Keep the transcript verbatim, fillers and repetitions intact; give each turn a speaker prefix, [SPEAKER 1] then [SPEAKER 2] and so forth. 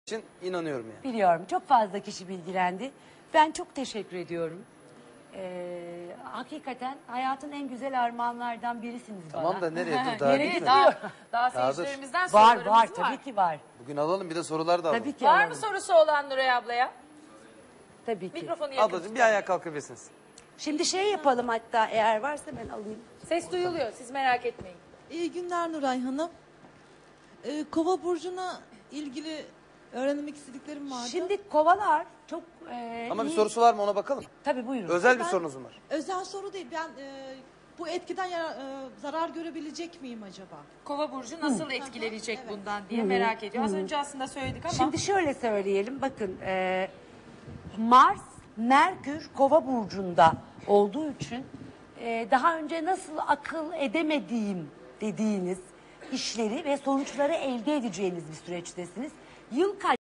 [SPEAKER 1] için inanıyorum yani.
[SPEAKER 2] Biliyorum. Çok fazla kişi bilgilendi. Ben çok teşekkür ediyorum. Ee, hakikaten hayatın en güzel armağanlardan birisiniz bana.
[SPEAKER 1] Tamam da nereye dur daha
[SPEAKER 2] Nereye
[SPEAKER 1] bitmedi.
[SPEAKER 3] Daha, daha
[SPEAKER 1] Daha dur.
[SPEAKER 3] seyircilerimizden
[SPEAKER 2] Var
[SPEAKER 3] sorularımız var.
[SPEAKER 2] var tabii ki var.
[SPEAKER 1] Bugün alalım bir de sorular da alalım.
[SPEAKER 2] Tabii ki
[SPEAKER 3] Var
[SPEAKER 2] alalım.
[SPEAKER 3] mı sorusu olan Nuray ablaya?
[SPEAKER 2] Tabii ki.
[SPEAKER 3] Mikrofonu yakın
[SPEAKER 1] Ablacığım bir
[SPEAKER 3] tutalım.
[SPEAKER 1] ayağa kalkabilirsiniz.
[SPEAKER 2] Şimdi şey yapalım hatta eğer varsa ben alayım.
[SPEAKER 3] Ses duyuluyor, siz merak etmeyin.
[SPEAKER 4] İyi günler Nuray Hanım. Ee, Kova burcuna ilgili öğrenmek istediklerim vardı.
[SPEAKER 2] Şimdi kovalar çok e,
[SPEAKER 1] Ama bir
[SPEAKER 2] iyi-
[SPEAKER 1] sorusu var mı ona bakalım.
[SPEAKER 2] Tabii buyurun.
[SPEAKER 1] Özel bir
[SPEAKER 4] Ben-
[SPEAKER 1] sorunuz mu var?
[SPEAKER 4] Özel soru değil. Ben e, bu etkiden yara- e, zarar görebilecek miyim acaba?
[SPEAKER 3] Kova burcu nasıl etkilenecek
[SPEAKER 4] Evet.
[SPEAKER 3] bundan diye merak ediyor. Az önce aslında söyledik ama
[SPEAKER 2] Şimdi şöyle söyleyelim bakın e, Mars, Merkür Kova burcunda olduğu için e, daha önce nasıl akıl edemediğim dediğiniz işleri ve sonuçları elde edeceğiniz bir süreçtesiniz. Yıl kaç